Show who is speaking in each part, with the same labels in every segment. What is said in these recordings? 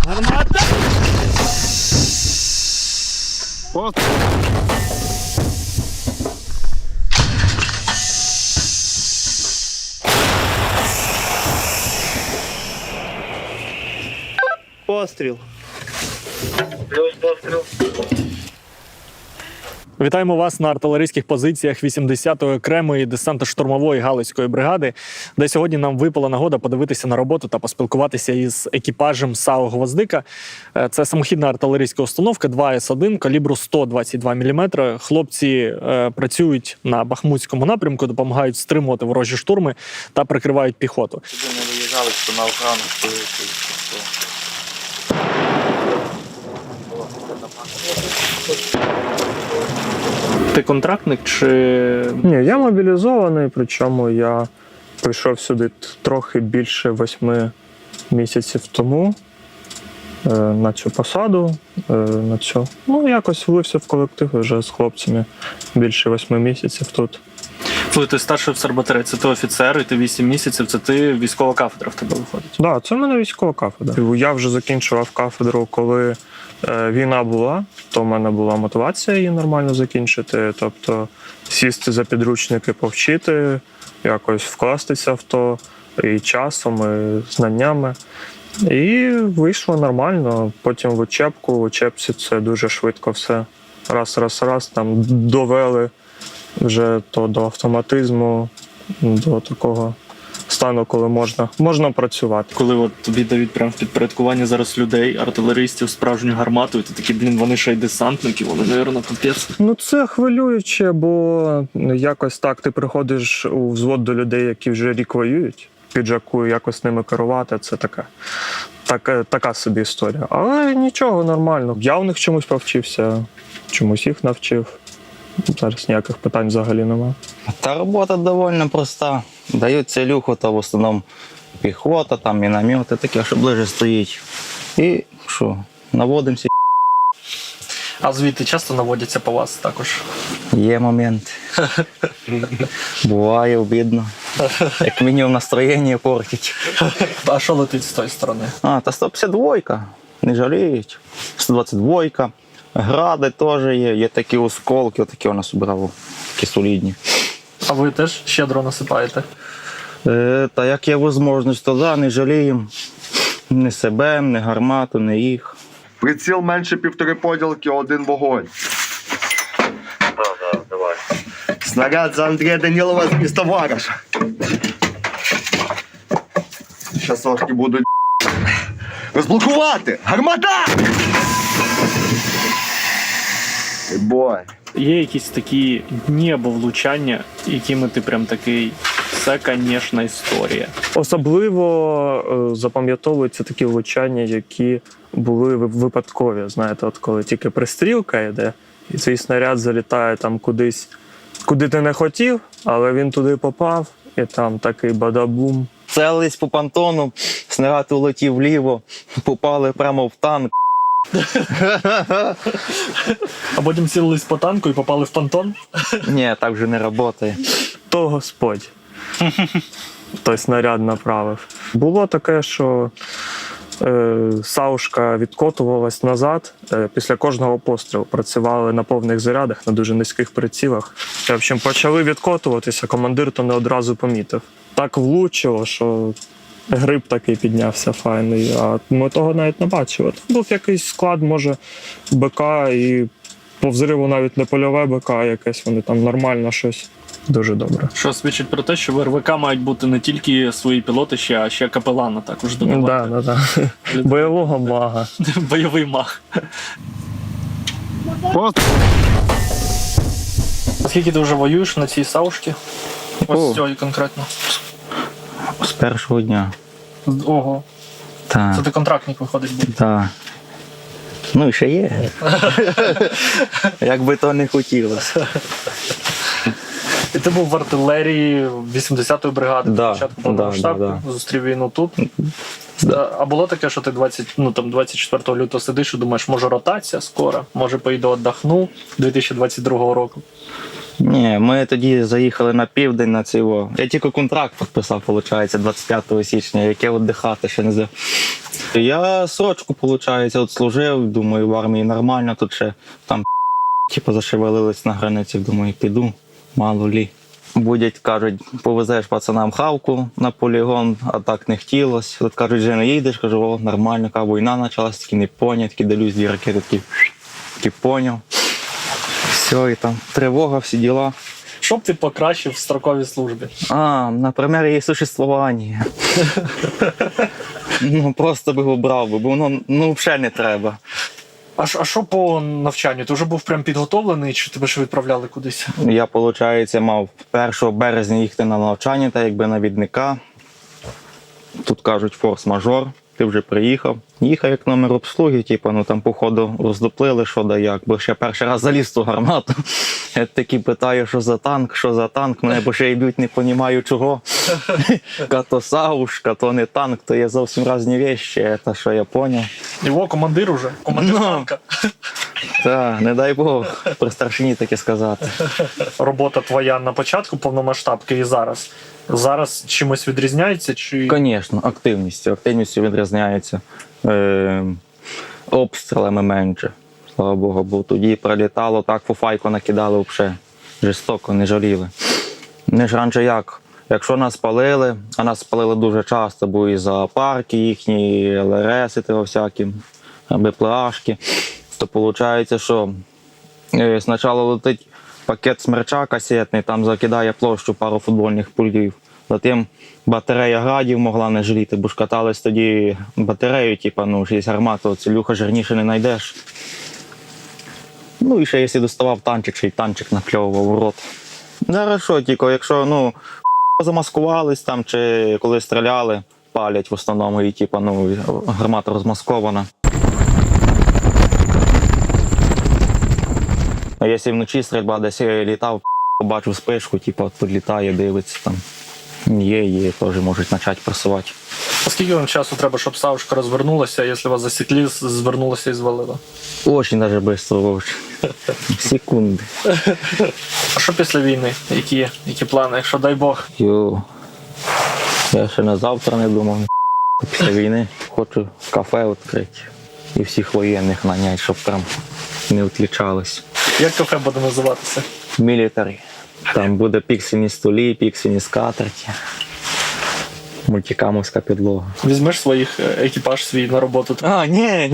Speaker 1: Гармата! Постріл! Постріл.
Speaker 2: Плюс постріл.
Speaker 3: Вітаємо вас на артилерійських позиціях 80-ї окремої десантно-штурмової галицької бригади, де сьогодні нам випала нагода подивитися на роботу та поспілкуватися із екіпажем САУ «Гвоздика». Це самохідна артилерійська установка 2С1 калібру 122 мм. Хлопці працюють на Бахмутському напрямку, допомагають стримувати ворожі штурми та прикривають піхоту.
Speaker 2: Сюди не виїжджали, що на охрану стоїть.
Speaker 3: Ти контрактник чи...
Speaker 4: Ні, я мобілізований, причому я прийшов сюди трохи більше 8 місяців тому на цю посаду. Ну, якось влився в колектив вже з хлопцями більше 8 місяців тут.
Speaker 3: Коли ти старший офіцер батареї, це ти офіцер, і ти 8 місяців, це ти військова кафедра в тебе виходить.
Speaker 4: Так, да, це в мене військова кафедра. Я вже закінчував кафедру, коли війна була, то в мене була мотивація її нормально закінчити. Тобто сісти за підручники, повчити, якось вкластися в то і часом, і знаннями. І вийшло нормально. Потім в учебку, в учебці це дуже швидко все. Раз, там довели вже то до автоматизму, до такого стану, коли можна працювати.
Speaker 3: Коли от тобі дають прямо в підпорядкування зараз людей, артилеристів, справжню гармату, і ти такий, вони ще й десантники, вони, мабуть, капець.
Speaker 4: Ну це хвилююче, бо якось так ти приходиш у взвод до людей, які вже рік воюють, піджаку, якось ними керувати, це така собі історія. Але нічого, нормально. Я у них чомусь повчився, чомусь їх навчив. Зараз ніяких питань взагалі немає.
Speaker 5: Та робота доволі проста. Дають целюху, то в основному піхота, там міномети, таке, що ближче стоїть. І що, наводимося.
Speaker 3: А звідти часто наводяться по вас також?
Speaker 5: Є момент. Буває обідно. Як мінімум настроєння портить.
Speaker 3: А що летить з тої сторони?
Speaker 5: Та 152-ка, не жаліють. 122-ка. Гради теж є такі осколки, отакі у нас брали, такі солідні.
Speaker 3: А ви теж щедро насипаєте?
Speaker 5: Та як є можливість, то да, не жаліємо. Ні себе, ні гармату, ні їх.
Speaker 6: Приціл менше 1,5 поділки, 1 вогонь.
Speaker 2: Так, давай.
Speaker 6: Снаряд за Андрія Данілова з товариша. Щас сошки будуть розблокувати! Гармата! Бой.
Speaker 3: Є якісь такі дні або влучання, якими ти прям такий, це, звісно, історія.
Speaker 4: Особливо запам'ятовуються такі влучання, які були випадкові. Знаєте, от коли тільки пристрілка йде, і цей снаряд залітає там кудись, куди ти не хотів, але він туди попав, і там такий бадабум.
Speaker 5: Целились по понтону, снаряд улетів вліво, попали прямо в танк.
Speaker 3: А потім сілились по танку і попали в понтон?
Speaker 5: Ні, так вже не працює.
Speaker 4: То Господь той снаряд направив. Було таке, що саушка відкотувалась назад після кожного пострілу. Працювали на повних зарядах, на дуже низьких прицілах. В общем, почали відкотуватися, командир то не одразу помітив. Так влучило, що гриб такий піднявся файний, а ми того навіть не бачили. Був якийсь склад, може, БК, і по взриву навіть не польове БК якесь, вони там нормально щось. Дуже добре.
Speaker 3: Що свідчить про те, що в РВК мають бути не тільки свої пілоти, а ще капелана також додавати.
Speaker 4: Да. Бойового мага.
Speaker 3: Бойовий маг.
Speaker 1: Постріл!
Speaker 3: Скільки ти вже воюєш на цій саушці? Ось з цієї конкретно.
Speaker 5: З першого дня.
Speaker 3: Ого.
Speaker 5: Так.
Speaker 3: Це ти контрактник виходить був.
Speaker 5: Так. Ну і ще є. Як би то не хотілося.
Speaker 3: І ти був в артилерії 80-ї бригади,
Speaker 5: Да,
Speaker 3: початку повномасштабки, зустрів війну тут. А було таке, що ти 24 лютого сидиш і думаєш, може ротація скоро, може поїду віддохну 2022 року?
Speaker 5: Ні, ми тоді заїхали на південь на цього. Я тільки контракт підписав, виходить, 25 січня, яке віддихати ще не знаю. Я срочку, виходить, от служив, думаю, в армії нормально, тут ще там типу зашевелились на границі, думаю, піду, мало лі. Будять, кажуть, повезеш пацанам хавку на полігон, а так не хотілося. Тут кажуть, вже не їдеш, кажу, о, нормально, яка війна почалась, такі не поняв, такі дивлюсь, дві ракети, такі поняв. Все, і там тривога, всі діла.
Speaker 3: Що б ти покращив в строковій службі?
Speaker 5: Наприклад, її существування. Просто би обрав, бо воно взагалі не треба.
Speaker 3: А що по навчанню? Ти вже був прям підготовлений, чи тебе ж відправляли кудись?
Speaker 5: Я, виходить, мав 1 березня їхати на навчання, та якби навідника. Тут кажуть форс-мажор, ти вже приїхав. Їхав як номер обслуги, там походу роздоплили, що да як, бо ще перший раз заліз в ту гармату. Я таки питаю, що за танк, мене бо ще йдуть, не розумію чого. То саушка, то не танк, то є зовсім різні речі, це що я зрозумів.
Speaker 3: Його командир уже, командир танка.
Speaker 5: Так, не дай Бог, при старшині таке сказати.
Speaker 3: Робота твоя на початку повномасштабки і зараз. Зараз чимось відрізняється? Чи...
Speaker 5: Звісно, активністю відрізняється. Обстрілами менше, слава Богу, бо тоді прилітало, так фуфайку накидали взагалі, жорстоко, не жаліли. Не ж раніше як, якщо нас палили, а нас палили дуже часто, бо і зоопарки їхні, і ЛРСи всякі, БПЛАшки, то виходить, що спочатку летить пакет смерча касетний, там закидає площу пару футбольних полів. Затим батарея градів могла не жаліти, бо ж катались тоді батарею, є гармата, целюха жирніше не знайдеш. І ще якщо доставав танчик, ще й танчик напльовував в рот. Зараз що, якщо замаскувались там, чи коли стріляли, палять в основному, і гармата розмаскована. А якщо вночі стрільба десь літав, побачив спишку, підлітає, дивиться там. Є, теж можуть почати просувати.
Speaker 3: А скільки вам часу треба, щоб саушка розвернулася, якщо вас засікли, звернулася і звалила?
Speaker 5: Очень даже швидко, секунди.
Speaker 3: А що після війни? Які плани, якщо дай Бог?
Speaker 5: Я ще на завтра не думав. Після війни хочу кафе відкрити і всіх воєнних наняти, щоб прям не відлічались.
Speaker 3: Як кафе буде називатися?
Speaker 5: Мілітарі. Там буде піксельні столі, піксельні скатерті, мультикамовська підлога.
Speaker 3: Візьмеш своїх екіпаж свій на роботу?
Speaker 5: Ні,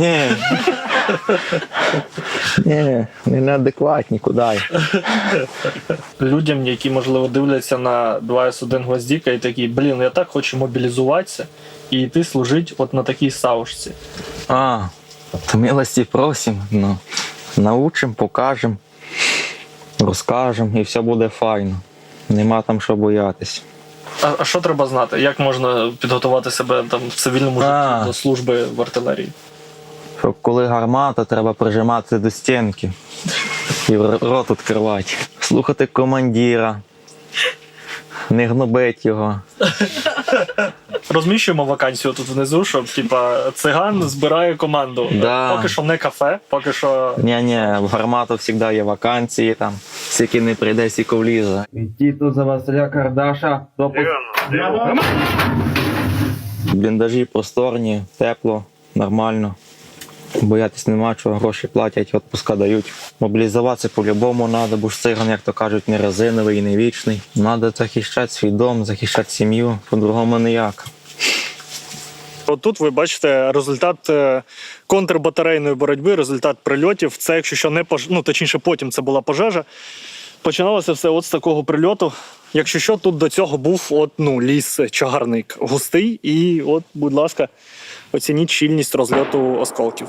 Speaker 5: не неадекватні, куди.
Speaker 3: Людям, які, можливо, дивляться на 2С1 Гвоздіка і такі, я так хочу мобілізуватися і йти служити от на такій саушці.
Speaker 5: То милості просим, научим, покажем, розкажем і все буде файно. Нема там що боятись.
Speaker 3: А що треба знати? Як можна підготувати себе там в цивільному житті до служби в артилерії?
Speaker 5: Щоб коли гармата, треба прижиматися до стінки і рот відкривати. Слухати командира, не гнобити його.
Speaker 3: Розміщуємо вакансію тут внизу, щоб циган збирає команду.
Speaker 5: Да.
Speaker 3: Поки що не кафе, поки що...
Speaker 5: Ні, в гармату завжди є вакансії, там, скільки не прийде, стільки влізе. Іди тут за Василя Кардаша. Бліндажі просторні, тепло, нормально. Боятись нема чого, гроші платять, відпуска дають. Мобілізуватися по-любому треба, бо ж циган, як то кажуть, не резиновий і не вічний. Треба захищати свій дом, захищати сім'ю, по-другому ніяк.
Speaker 3: От тут ви бачите результат контрбатарейної боротьби, результат прильотів. Це, якщо що, не точніше, потім це була пожежа. Починалося все от з такого прильоту. Якщо що, тут до цього був ліс-чагарник густий. І от, будь ласка, оцініть щільність розльоту осколків.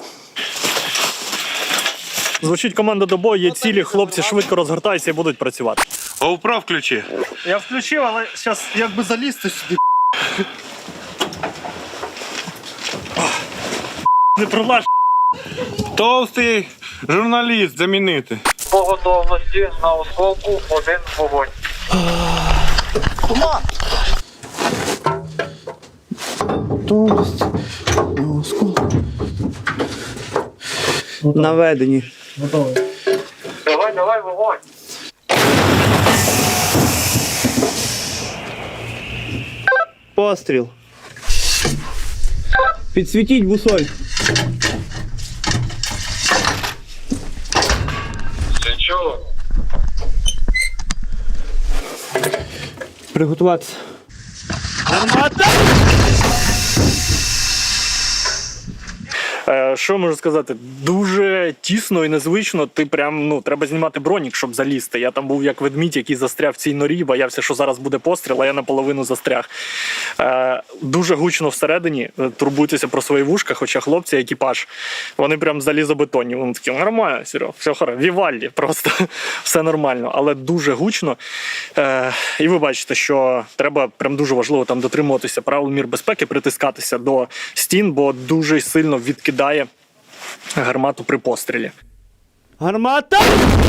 Speaker 3: Звучить команда до бою, є цілі, хлопці швидко розгортаються і будуть працювати.
Speaker 1: GoPro включи.
Speaker 3: Я включив, але зараз якби залізти сюди. Не пролаж.
Speaker 1: Толстий журналіст замінити.
Speaker 2: По готовності на осколку 1 вогонь.
Speaker 6: Наведені.
Speaker 2: Давай, вогонь.
Speaker 6: Постріл.
Speaker 7: Підсвітіть бусоль.
Speaker 2: Чув.
Speaker 7: Приготуватися.
Speaker 3: Що можу сказати? Дуже тісно і незвично. Ти прям, ну, треба знімати бронік, щоб залізти. Я там був як ведмідь, який застряг в цій норі, боявся, що зараз буде постріл, а я наполовину застряг. Дуже гучно всередині, турбуйтеся про свої вушка, хоча хлопці, екіпаж, вони прям залізобетонні. Вони такі, нормально, Серега, все хорошо, Вівальді, просто все нормально, але дуже гучно. І ви бачите, що треба прям дуже важливо там дотримуватися правил мір безпеки, притискатися до стін, бо дуже сильно відкидає гармату при пострілі.
Speaker 7: Гармата!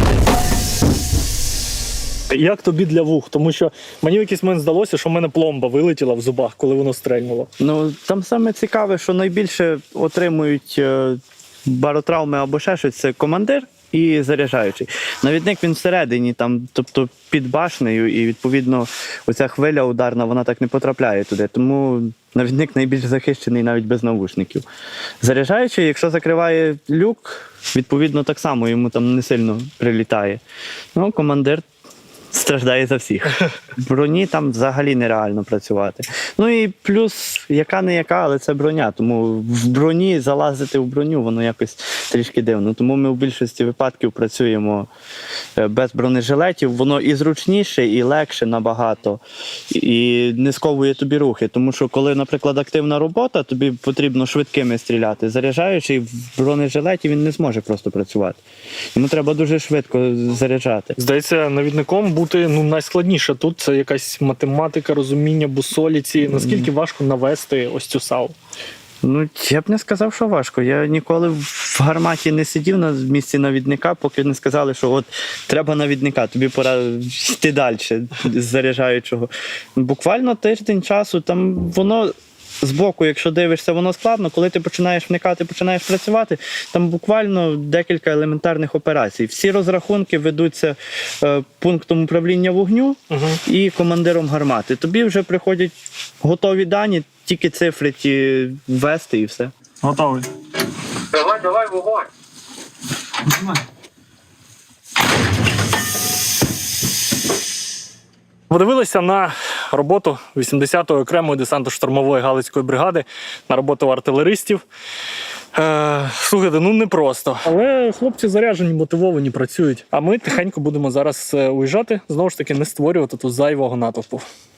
Speaker 3: Як тобі для вух? Тому що мені в якийсь момент здалося, що в мене пломба вилетіла в зубах, коли воно стрельнуло.
Speaker 7: Ну, там саме цікаве, що найбільше отримують баротравми або ще щось, це командир і заряджаючий. Навідник він всередині, там, тобто під башнею, і відповідно оця хвиля ударна, вона так не потрапляє туди. Тому навідник найбільш захищений навіть без навушників. Заряджаючий, якщо закриває люк, відповідно так само йому там не сильно прилітає. Ну, командир страждає за всіх. В броні там взагалі нереально працювати. Ну і плюс, яка не яка, але це броня. Тому в броні залазити в броню, воно якось трішки дивно. Тому ми в більшості випадків працюємо без бронежилетів. Воно і зручніше, і легше набагато, і не сковує тобі рухи. Тому що коли, наприклад, активна робота, тобі потрібно швидкими стріляти. Заряджаючи в бронежилеті, він не зможе просто працювати. Йому треба дуже швидко заряджати.
Speaker 3: Здається, навідником бути найскладніше тут. Це якась математика, розуміння бусоліці. Наскільки важко навести ось цю САУ?
Speaker 7: Ну, я б не сказав, що важко. Я ніколи в гарматі не сидів на місці навідника, поки не сказали, що от треба навідника, тобі пора йти далі з заряджаючого. Буквально тиждень часу, там воно збоку, якщо дивишся, воно складно. Коли ти починаєш вникати, починаєш працювати, там буквально декілька елементарних операцій. Всі розрахунки ведуться пунктом управління вогню і командиром гармати. Тобі вже приходять готові дані, тільки цифри ті ввести і все.
Speaker 3: Готовий.
Speaker 2: Давай, вогонь.
Speaker 3: Подивилися на роботу 80-ї окремої десантно-штурмової Галицької бригади, на роботу артилеристів. Слухайте, ну непросто. Але хлопці заряджені, мотивовані, працюють. А ми тихенько будемо зараз уїжджати, знову ж таки не створювати тут зайвого натовпу.